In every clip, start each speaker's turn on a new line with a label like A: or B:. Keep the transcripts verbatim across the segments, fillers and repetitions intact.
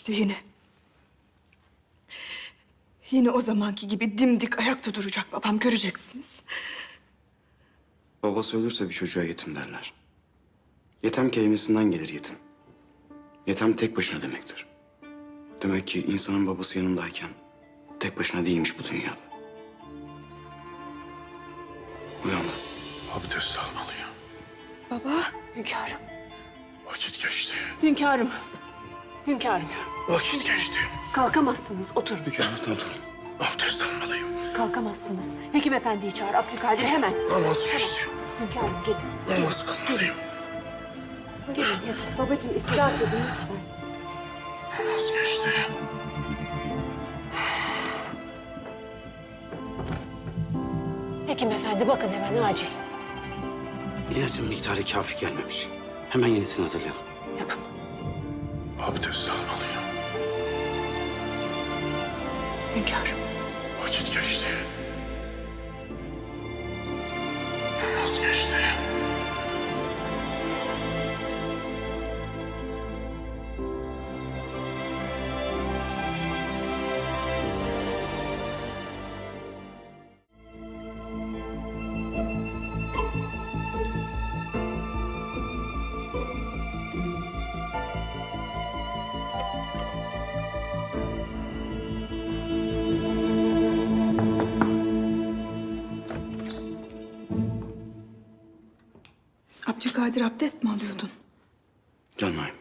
A: İşte yine. Yine o zamanki gibi dimdik ayakta duracak babam, göreceksiniz.
B: Babası ölürse bir çocuğa yetim derler. Yetem kelimesinden gelir yetim. Yetem tek başına demektir. Demek ki insanın babası yanındayken tek başına değilmiş bu dünyada. Uyandı.
C: Abdest almalıyım.
A: Baba.
D: Hünkârım,
C: Vakit geçti.
D: hünkârım, hünkârım.
C: Vakit geçti.
D: Kalkamazsınız, oturun.
B: Hünkârımızdan oturun.
C: Abdest almalıyım.
D: Kalkamazsınız. Hekim efendiyi çağır, Abdülkadir hemen.
C: Namaz geçti.
D: Hünkârım gelin.
C: Namaz kılmalıyım.
D: Gelin yatın. Babacığım istirahat edin lütfen.
C: Namaz geçti.
D: Hekim efendi bakın hemen acil.
B: İlacın miktarı kafi gelmemiş. Hemen yenisini hazırlayalım.
D: Yapın.
C: Abdest almalıyım.
A: Hünkârım.
C: Vakit geçti. Namaz geçti.
A: Abdülkadir, abdest mi alıyordun?
B: Canmayım.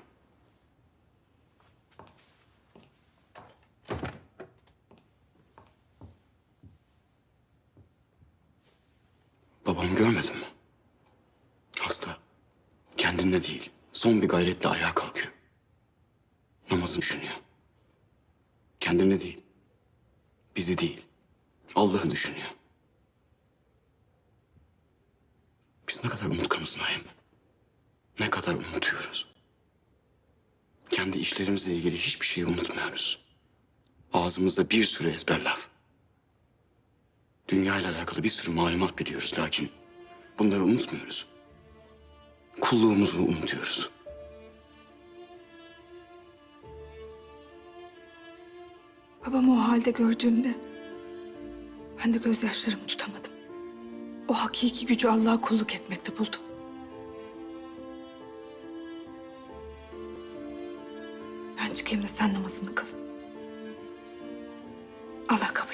B: Babamı görmedin mi? Hasta. Kendinde değil. Son bir gayretle ayağa kalkıyor. Namazını düşünüyor. Kendine değil. Bizi değil. Allah'ı düşünüyor. Biz ne kadar unutkanız Naim. Ne kadar unutuyoruz. Kendi işlerimizle ilgili hiçbir şeyi unutmuyoruz. Ağzımızda bir sürü ezber laf. Dünya ile alakalı bir sürü malumat biliyoruz lakin bunları unutmuyoruz. Kulluğumuzu unutuyoruz.
A: Babamı o halde gördüğümde ben de gözyaşlarımı tutamadım. O hakiki gücü Allah'a kulluk etmekte buldum. Ben çıkayım da sen namazını kıl. Allah kabul